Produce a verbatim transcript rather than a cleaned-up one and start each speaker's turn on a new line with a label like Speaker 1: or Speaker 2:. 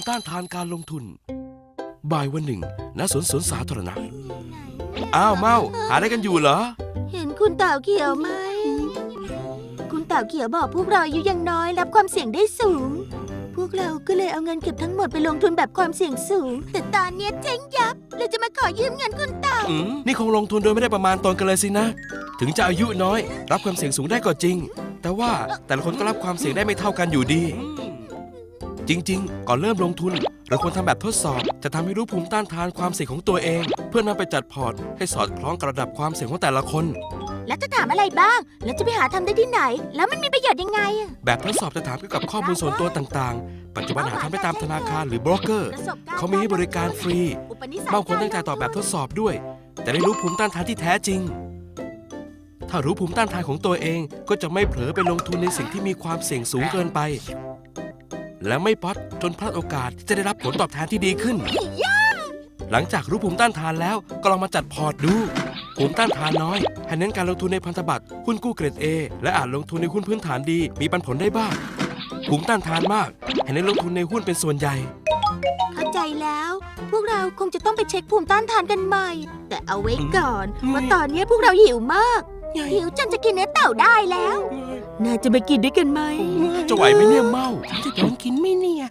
Speaker 1: ต้านทานการลงทุนบ่ายวันหนึ่งณสวนสวนสาธารณะอ้าวเมาหาอะไรกันอยู่เหรอ
Speaker 2: เห็นคุณเต่าเขียวไหมคุณเต่าเขียวบอกพวกเราอายุยังน้อยรับความเสี่ยงได้สูงพวกเราก็เลยเอาเงินเก็บทั้งหมดไปลงทุนแบบความเสี่ยงสูงแต่ตอนนี้เจ๊งยับเราจะมาขอยืมเงินคุณเต่า
Speaker 1: อืมนี่คงลงทุนโดยไม่ได้ประมาณตนกันเลยสินะถึงจะอายุน้อยรับความเสี่ยงสูงได้ก็จริงแต่ว่าแต่ละคนก็รับความเสี่ยงได้ไม่เท่ากันอยู่ดีจริงๆก่อนเริ่มลงทุนเราควรทำแบบทดสอบจะทำให้รู้ภูมิต้านทานความเสี่ยงของตัวเองเพื่อนำไปจัดพอร์ตให้สอดคล้องกับระดับความเสี่ยงของแต่ละคน
Speaker 2: แล้วจะถามอะไรบ้างแล้วจะไปหาทำได้ที่ไหนแล้วมันมีประโยชน์ยังไง
Speaker 1: แบบทดสอบจะถามเกี่ยวกับข้อมูลส่วนตัวต่างๆปัจจุบันหาทำได้ตามธนาคารหรือโบรกเกอร์เขามีให้บริการฟรีบางคนตั้งใจตอบแบบทดสอบด้วยแต่ได้รู้ภูมิต้านทานที่แท้จริงถ้ารู้ภูมิต้านทานของตัวเองก็จะไม่เผลอไปลงทุนในสิ่งที่มีความเสี่ยงสูงเกินไปและไม่ป๊อตจนพลาดโอกาสที่จะได้รับผลตอบแทนที่ดีขึ้นหลังจากรู้ภูมิต้านทานแล้วก็ลองมาจัดพอร์ตดูภูมิต้านทานน้อยให้เน้นการลงทุนในพันธบัตรหุ้นกู้เกรด A และอาจลงทุนในหุ้นพื้นฐานดีมีปันผลได้บ้างภูมิต้านทานมากให้เน้นลงทุนในหุ้นเป็นส่วนใหญ่
Speaker 2: เข้าใจแล้วพวกเราคงจะต้องไปเช็คภูมิต้านทานกันใหม่แต่เอาไว้ก่อนว่าตอนนี้พวกเราหิวมากหิวจนจะกินเนื้อเต่าได้แล้วน่าจะไปกินด้วยกันไหม
Speaker 1: จะไหวไหมเนี่ยเมาจะโดนกินไหมเนี่ย